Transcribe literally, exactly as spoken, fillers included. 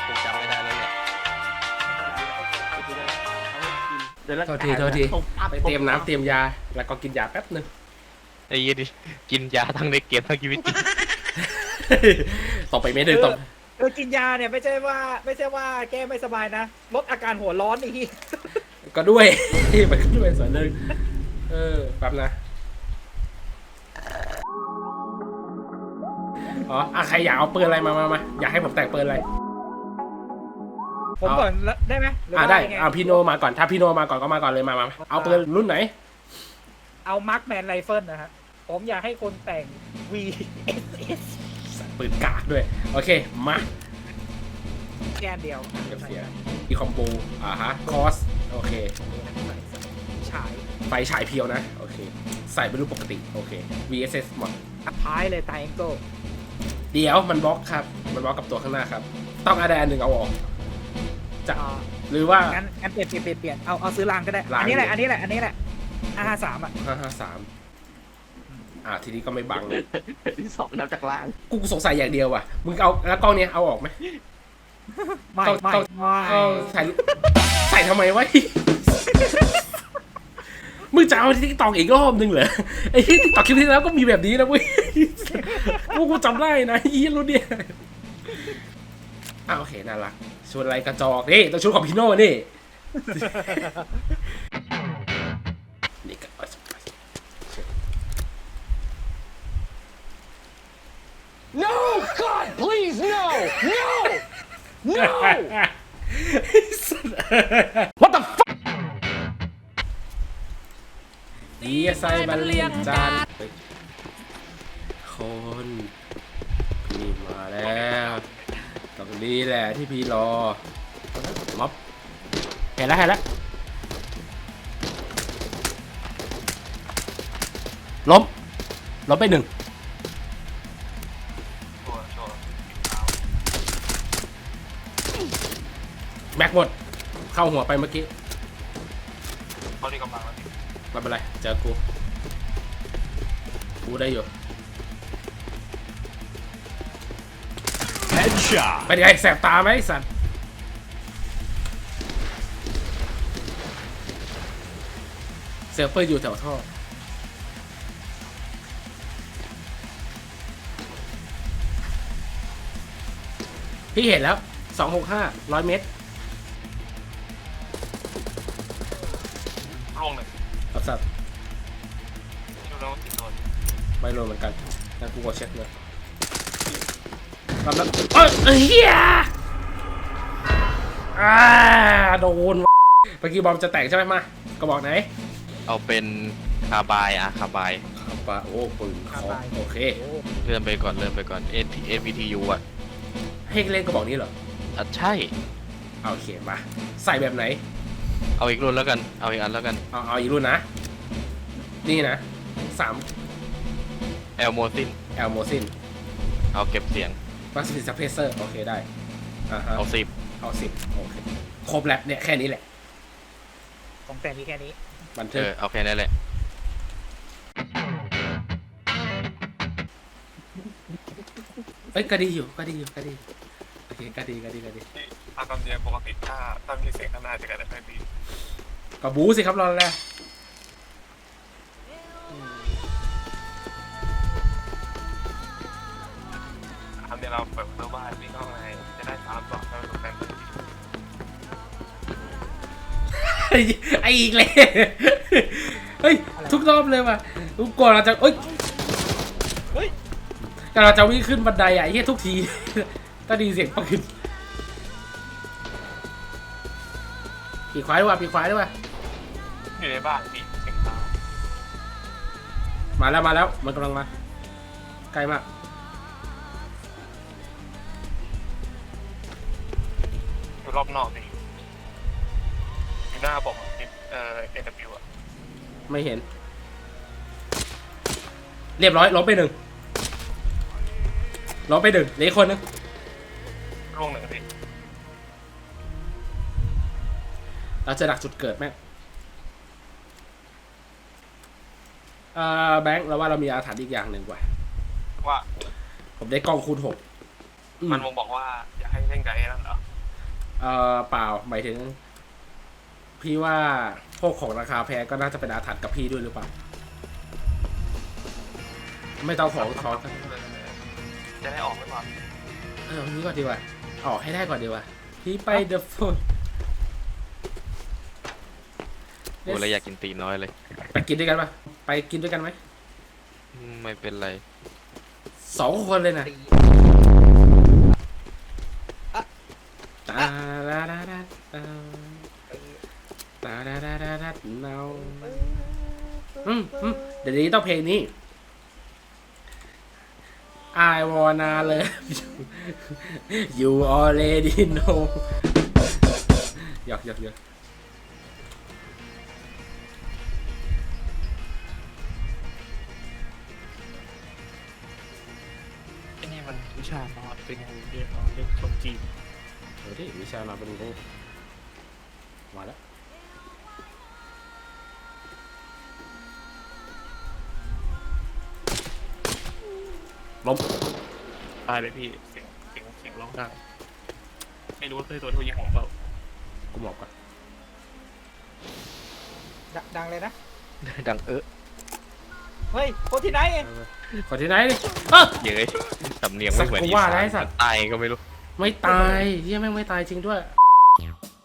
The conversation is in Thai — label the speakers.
Speaker 1: คงจำไม่ได้แล้วแหละ
Speaker 2: โทษทีโทษทีไปเตรียมน้ำเตรียมยาแล้วก็กินยาแป๊บนึง
Speaker 1: ไอ้ยี่ดิกินยาทั้งในเกมทั้งชีวิตจริง
Speaker 2: ต่อไปไม่ได้ต้อง
Speaker 3: เออกินยาเนี่ยไม่ใช่ว่าไม่ใช่ว่าแก้ไม่สบายนะลดอาการหัวร้อนอีก
Speaker 2: ก็ด้วย มันก็ด้วยส่วนหนึ่งเออแป๊บนะอ๋ออ่ะใครอยากเอาปืนอะไรมามามาอยากให้ผมแต่งปืนอะไร
Speaker 3: ผมก่อนได้ไหมหรื
Speaker 2: อ่า
Speaker 3: ว่า
Speaker 2: ได้
Speaker 3: ยังง
Speaker 2: เอาพี่โนมาก่อนถ้าพี่โนมาก่อนก็มาก่อนเลยมามาเอาปืนรุ่นไหน
Speaker 3: เอามาร์คแมนไรเฟิลนะฮะผมอยากให้คนแต่ง วี เอส เอส
Speaker 2: ปืนกากด้วยโอเคมา
Speaker 3: แค่เดียว
Speaker 2: เก็บเสียอีคอมโบอ่าฮะคอสโอเค
Speaker 3: ฉาย
Speaker 2: ไฟฉายเพียวนะโอเคใส่เป็นรูปปกติโอเค วี เอส เอส หมด
Speaker 3: อัพท้ายเลยไทแองเกิล
Speaker 2: เดี๋ยวมันบล็อกครับมันบล็อกกับตัวข้างหน้าครับต้องอะไรอันหนึ่งเอาออกจะหรือว่า
Speaker 3: งั้นงั้นเปลี่ยนเปลี่ยนเปลี่ยนเปลี่ยนเอาเอาซื้อรางก็ได้
Speaker 2: ราง
Speaker 3: อันนี้แหละอันนี้แหละอันนี้แหละอาห้าสามอ่ะ
Speaker 2: ห้าห้าสามอ่าทีนี้ก็ไม่บังเลย
Speaker 1: ที่สองนับจากล่าง
Speaker 2: กูสงสัยอย่างเดียวว่ะมึงเอาแล้วกล้องเนี้ยเอาออกไหม
Speaker 3: ไม่
Speaker 2: ต้อง
Speaker 3: ไม่
Speaker 2: ต้อง
Speaker 3: ไม่
Speaker 2: เอาใส่ใส่ทำไมวะ มึงจะเอาที่ตอกอีกรอบนึงเหรอไอ้ที่ตอกคลิปที่แล้วก็มีแบบนี้นะเว้ย พวกกูจำได้นะยี่รุ่นเนี่ยอ้าวโอเคน่ารักชุดอะไรกระจอกนี่ต้องชุดของพี่โน่นี่ นี่ก็
Speaker 4: No! God, please, no! No! No!
Speaker 2: What the fuck ดีไซน์บันเลียงจานคนพี่มาแล้วตรงนี้แหละที่พี่รอม็อบเห็นแล้วเห็นแล้วล้มล้มไปหนึ่งแม็กหมดเข้าหัวไปเมื่อกี้เขาดีกำลังแล้วไม่เป็นไรเจอกูกูได้อยู่
Speaker 4: Headshot!
Speaker 2: เป็นไงแสบตาไหมสันเซลเฟอร์อยู่แถวท่อพี่เห็นแล้วสองหกห้าร้อยเมตร
Speaker 5: ร่วงหนึ่ง
Speaker 2: ครับสัตว์
Speaker 5: ดูแล้วติดโดน
Speaker 2: ไม่รู้เหมือนกันงั้นกูก็เช็คเลยรับแล้วเอ้ยเฮียอ่าโดนเมื่อกี้บอมจะแตกใช่ไหมมากระบอกไหน
Speaker 1: เอาเป็นคาบายอะคาบาย
Speaker 2: ครับปะโอ้ปืนคอโอเค
Speaker 3: โอ้
Speaker 1: เลื่อนไปก่อนเลื่อนไปก่อน เอ็น เอ็น พี ที ยู อะ
Speaker 2: ให้เล่นกระบอกนี้เหรอ
Speaker 1: อ่ะใช่
Speaker 2: เอาโอเคมาใส่แบบไหน
Speaker 1: เอาอีกรุ่นแล้วกันเอาอีกอันแล้วกัน
Speaker 2: เอาเอาอีกรุ่นนะนี่นะสาม
Speaker 1: แอลโมซิน
Speaker 2: แอลโมซิน
Speaker 1: เอาเก็บเสียง
Speaker 2: วัสดุซัพเพเซอร์โอเคได้อ่าฮะ
Speaker 1: เอาสิบ
Speaker 2: เอาสิบโอเคครบแล้วเนี่ยแค่นี้แหละ
Speaker 3: ของแต่มีแค่นี้
Speaker 2: บัน
Speaker 1: เอ
Speaker 2: ทึก
Speaker 1: อเอาแค่นั้นแหละ
Speaker 2: เอ้ยก็ดีอยู่ก็ดีอยู่ก็ดีโอเคก็ดีก็ดีก็ดี
Speaker 5: ที่ตามคำเนียมปกติถ้าถ้ามีเสียงข้างหน้าจะกันได้ไม่ดี
Speaker 2: ก็บูสิครับรอแล้ว
Speaker 5: คำเนียมเราเปิดประตูบ้านวิ่งเข้าในจะได้สามสองแล้วตกแต่ง
Speaker 2: ไอ้ไอ้อีกเลยเฮ้ยทุกรอบเลยว่ะทุกก่อนเราจะเอ้ย
Speaker 3: เฮ้ย
Speaker 2: แต่เราจะวิ่งขึ้นบันไดอ่ะไอ้เหี้ยทุกทีถ้าดีเสียงปืนปีกขวาด้วยว่ะปีกขวาด้วยว่ะ
Speaker 5: อยู่ในบ้านพี่เสียงเท้า
Speaker 2: มาแล้วมาแล้วมันกำลังมาใกล้มาก
Speaker 5: อยู่รอบนอกพี่อยู่หน้าผมเอ่อเอ็นดับยูอะ
Speaker 2: ไม่เห็น เรียบร้อยล้มไปหนึ่งล้มไปหนึ่งเหลืออีกคนนึง
Speaker 5: ร่วงหนึ่งพี่
Speaker 2: เราจะดักจุดเกิดแม่งเอ่อแบงค์เราว่าเรามีอาถรรพ์อีกอย่างหนึ่งว่ะ
Speaker 5: ว่า
Speaker 2: ผมได้กล้องคูณหกอืม
Speaker 5: มันมงบอกว่าอยากให้เล่นกับไอ้นั่นเหรอ
Speaker 2: เอ่อเปล่าหมายถึง พี่ว่าพวกของราคาแพงก็น่าจะเป็นอาถรรพ์กับพี่ด้วยหรือเปล่า ไม่ต้องของทอกัน
Speaker 5: จะได้ออกไหมวะ
Speaker 2: เออวันนี้ก่อนดีกว่าออกให้ได้ก่อนดีกว่าพี่ไปเดอะโฟน
Speaker 1: กูเลยอยากกินตีน้อยเลย
Speaker 2: ไปกินด้วยกันปะไปกินด้วยกันไหม
Speaker 1: อืมไม่เป็นไร
Speaker 2: สองคนเลยนะ
Speaker 3: ตี
Speaker 2: ตาดาดาดาตาตาดาดาดาดาเนาอืมอืมเดี๋ยวนี้ต้องเพลงนี้ I wanna love you you already know หยอกหยอกหยอก
Speaker 5: ไอ้นี่มันวิชานอนเป็นงูเรียกเรียกคนจีน
Speaker 2: เดี๋ยวที่วิชามาเป็นงูมาแล้วล้ม
Speaker 5: ตายเลยพี่เสียงเสียงเสียงร้องดังไม่รู้ว่าเคยตัวทุยิงของเปล่า
Speaker 2: กูหมอบก่อน
Speaker 3: ดดังเลยนะ
Speaker 1: ดังเออ
Speaker 3: เฮ้ยคนที่ไหนเอง
Speaker 2: ขอที่ไหนดิเอ้อ
Speaker 1: เย้ยสำเนียงไม่เหมือน
Speaker 2: สักกู
Speaker 1: อี
Speaker 2: ว่า
Speaker 1: สา
Speaker 2: ได้
Speaker 1: น
Speaker 2: สัตว์
Speaker 1: ตายก็ไม่รู้
Speaker 2: ไม่ตายเฮียแม่งไม่ตายจริงด้วย